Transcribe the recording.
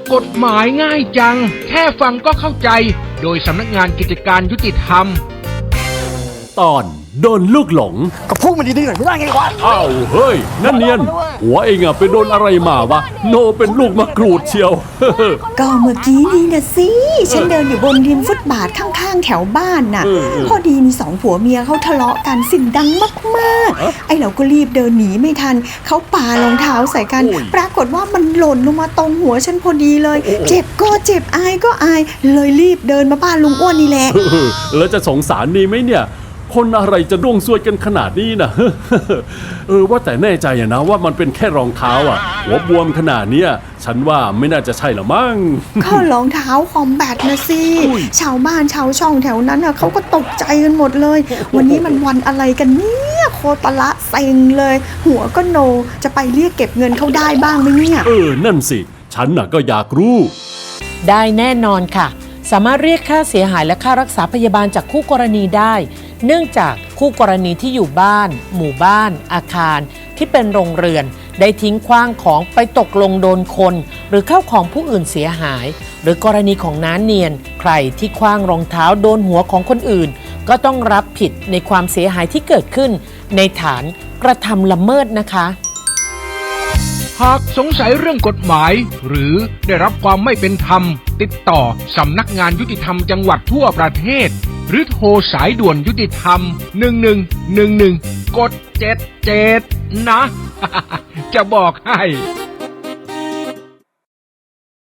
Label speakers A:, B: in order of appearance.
A: กฎหมายง่ายจังแค่ฟังก็เข้าใจโดยสำนักงานกิจการยุติธรรม
B: ตอนโดนลูกหลง
C: ก็พูดมันดีๆหน่อยไม่ได้ไงวะ
B: อ้าวเฮ้ยนั่นเนียนหัวเองอะไปโดนอะไรมาวะโนเป็นลูกมะกรูดเชียว
D: ก็เมื่อกี้นี่นะสิฉันเดินอยู่บนริมฟุตบาทข้างๆแถวบ้านน่ะพอดีมีสองผัวเมียเขาทะเลาะกันเสียงดังมากๆไอ้เราก็รีบเดินหนีไม่ทันเขาปารองเท้าใส่กันปรากฏว่ามันหล่นลงมาตรงหัวฉันพอดีเลยเจ็บก็เจ็บอายก็อายเลยรีบเดินมาบ้านลุงอ้วนนี่แหละ
B: แล้วจะสงสารดีไหมเนี่ยคนอะไรจะร่วงซวยกันขนาดนี้นะ ว่าแต่แน่ใจนะว่ามันเป็นแค่รองเท้าอ่ะหัวบวมขนาดเนี้ยฉันว่าไม่น่าจะใช่หรอมั้ง
D: ก็รองเท้าคอมแบทนะสิชาวบ้านชาวช่องแถวนั้นน่ะเขาก็ตกใจกันหมดเลย วันนี้มันวันอะไรกันเนี่ยโคตรละเซ็งเลย หัวก็โนจะไปเรียกเก็บเงินเขาได้บ้างไหมเนี่ย
B: นั่นสิฉันน่ะก็อยากรู้
E: ได้แน่นอนค่ะสามารถเรียกค่าเสียหายและค่ารักษาพยาบาลจากคู่กรณีได้เนื่องจากคู่กรณีที่อยู่บ้านหมู่บ้านอาคารที่เป็นโรงเรือนได้ทิ้งขว้างของไปตกลงโดนคนหรือเข้าของผู้อื่นเสียหายหรือกรณีของน้าเนียนใครที่ขว้างรองเท้าโดนหัวของคนอื่นก็ต้องรับผิดในความเสียหายที่เกิดขึ้นในฐานกระทำละเมิดนะคะ
A: หากสงสัยเรื่องกฎหมายหรือได้รับความไม่เป็นธรรมติดต่อสำนักงานยุติธรรมจังหวัดทั่วประเทศหรือโทรสายด่วนยุติธรรม1111กด77นะ จะบอกให้